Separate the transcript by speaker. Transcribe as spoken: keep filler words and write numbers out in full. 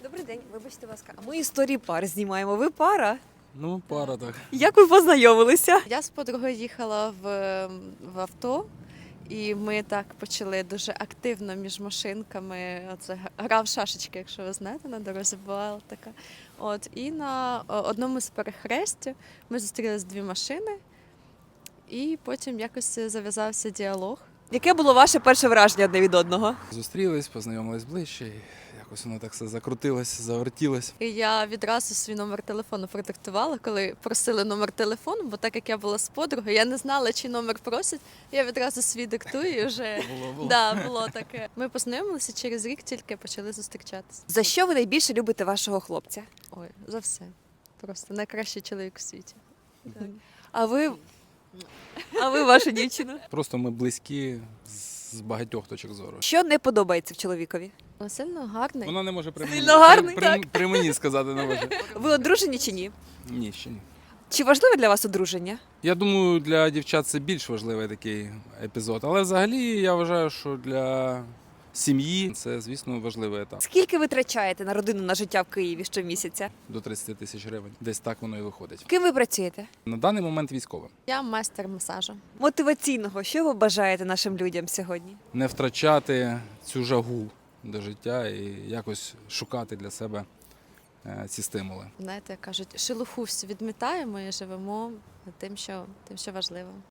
Speaker 1: Добрий день, вибачте, будь ласка. А ми історії пар знімаємо. Ви пара?
Speaker 2: Ну, пара так.
Speaker 1: Як ви познайомилися?
Speaker 3: Я з подругою їхала в, в авто, і ми так почали дуже активно між машинками. Оце гра в шашечки, якщо ви знаєте, на дорозі була така. От, і на одному з перехрестів ми зустрілись дві машини, і потім якось зав'язався діалог.
Speaker 1: Яке було ваше перше враження одне від одного?
Speaker 2: Зустрілись, познайомились ближче, і якось воно так все закрутилось, завертілось.
Speaker 3: І я відразу свій номер телефону продиктувала, коли просили номер телефону, бо так як я була з подругою, я не знала, чи номер просять. Я відразу свій диктую і вже
Speaker 2: Було, було.
Speaker 3: да, було таке. Ми познайомилися через рік, тільки почали зустрічатися.
Speaker 1: За що ви найбільше любите вашого хлопця?
Speaker 3: Ой, за все. Просто найкращий чоловік у світі.
Speaker 1: А ви, а ви ваша дівчина?
Speaker 2: Просто ми близькі з багатьох точок зору.
Speaker 1: Що не подобається в чоловікові?
Speaker 3: Ну, сильно гарний.
Speaker 2: Вона не може при мені,
Speaker 1: Сильно гарний,
Speaker 2: при, при,
Speaker 1: так.
Speaker 2: при мені сказати не може.
Speaker 1: Ви одружені чи ні?
Speaker 2: Ні, ще ні.
Speaker 1: Чи важливе для вас одруження?
Speaker 2: Я думаю, для дівчат це більш важливий такий епізод. Але взагалі я вважаю, що для сім'ї це, звісно, важливий етап.
Speaker 1: Скільки ви витрачаєте на родину на життя в Києві щомісяця?
Speaker 2: До тридцять тисяч гривень. Десь так воно і виходить.
Speaker 1: Ким ви працюєте?
Speaker 2: На даний момент військовим.
Speaker 3: Я майстер масажу.
Speaker 1: Мотиваційного, що ви бажаєте нашим людям сьогодні?
Speaker 2: Не втрачати цю жагу до життя і якось шукати для себе е, ці стимули.
Speaker 3: Знаєте, як кажуть, шелуху всю відмітаємо і живемо тим, що, тим, що важливо.